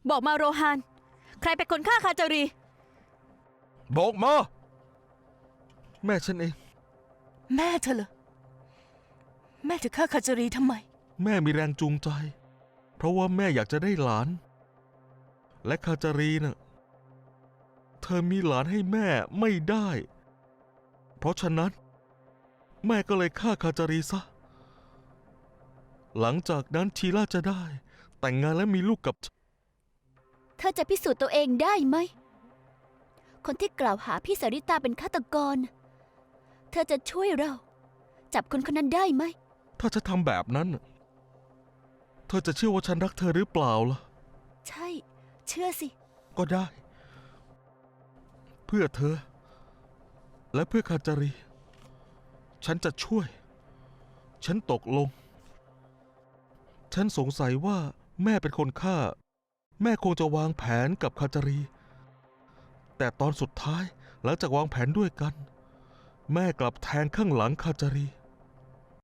บอกมาโรฮานใครเป็นคนฆ่าคาจารีบอกมาแม่ฉันเองแม่เธอเหรอแม่เธอฆ่าคาจารีทำไมแม่มีแรงจูงใจ เพราะว่าแม่อยากจะได้หลาน และคาจารีน่ะเธอมีหลานให้แม่ไม่ได้ เพราะฉะนั้นแม่ก็เลยฆ่าคาจารีซะหลังจากนั้นชีล่าจะได้แต่งงานและมีลูกกับเธอจะพิสูจน์ตัวเองได้ไหมคนที่กล่าวหาพี่สาริตาเป็นฆาตกรเธอจะช่วยเราจับคนคนนั้นได้ไหมถ้าจะทำแบบนั้นเธอจะเชื่อว่าฉันรักเธอหรือเปล่าล่ะใช่เชื่อสิก็ได้เพื่อเธอและเพื่อคาจารีฉันจะช่วยฉันตกลงฉันสงสัยว่าแม่เป็นคนฆ่าแม่คงจะวางแผนกับคาจารีแต่ตอนสุดท้ายหลังจากวางแผนด้วยกันแม่กลับแทงข้างหลังคาจารี